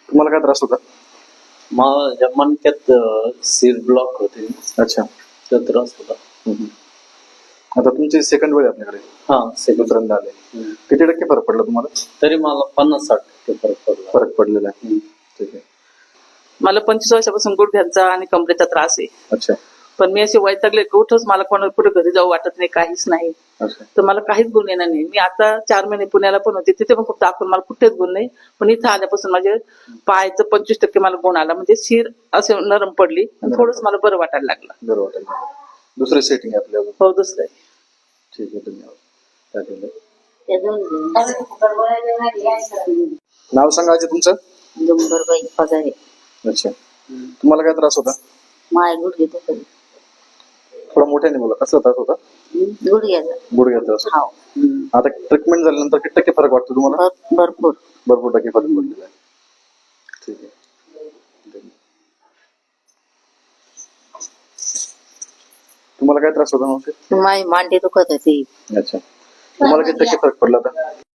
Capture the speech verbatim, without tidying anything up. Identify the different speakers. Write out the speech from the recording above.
Speaker 1: तुम्हाला काय त्रास होता?
Speaker 2: माझ्या मणक्यात सीर ब्लॉक होते.
Speaker 1: अच्छा.
Speaker 2: तो त्रास होता.
Speaker 1: हम्म. आता तुमची सेकंड वेळ आहे आपल्याकडे,
Speaker 2: हा सेकंड
Speaker 1: दुसऱ्यांदा आले. किती टक्के फरक पडला तुम्हाला?
Speaker 2: तरी मला पन्नास साठ टक्के फरक पडला.
Speaker 1: फरक पडलेला आहे. ठीक आहे.
Speaker 3: मला पंचवीस वर्षापासून गुडघ्यांचा आणि कमरेचा त्रास आहे.
Speaker 1: अच्छा.
Speaker 3: पण मी असे वैतागले कुठंच मला कोणाला कुठे घरी जाऊ वाटत नाही, काहीच नाही.
Speaker 1: अच्छा.
Speaker 3: तर मला काहीच गुण येणार नाही. मी आता चार महिने पुण्याला पण होते, तिथे पण खूप दाखवून मला कुठेच गुण नाही. पण इथं आल्यापासून माझे पायाचं पंचवीस टक्के मला गुण आला. म्हणजे शिर असे नरम पडली आणि थोडंच मला बरं वाटायला लागलं.
Speaker 1: बरं वाटेल. दुसरे सेटिंग आहे आपल्याला.
Speaker 3: हो दुसरं आहे.
Speaker 1: ठीक आहे. धन्यवाद. काय केलं? नाव सांगा आजी तुमचं.
Speaker 4: डुंबरबाई पगारे.
Speaker 1: अच्छा. तुम्हाला काय त्रास होता?
Speaker 4: माय गुडघे दुखत.
Speaker 1: थोडा मोठ्याने बोला. कसला त्रास होता?
Speaker 4: गुडघ्याचा.
Speaker 1: गुडघ्याचा त्रास होता.
Speaker 4: हो.
Speaker 1: आता ट्रीटमेंट झाल्यानंतर किती टक्के फरक वाटतो तुम्हाला?
Speaker 4: भर- भरपूर
Speaker 1: भरपूर टक्के फरक पडलेला आहे. ठीक आहे. तुम्हाला काय त्रास होता मावशी?
Speaker 4: माय मांडी दुखत होती.
Speaker 1: अच्छा. तुम्हाला किती टक्के फरक पडला आता?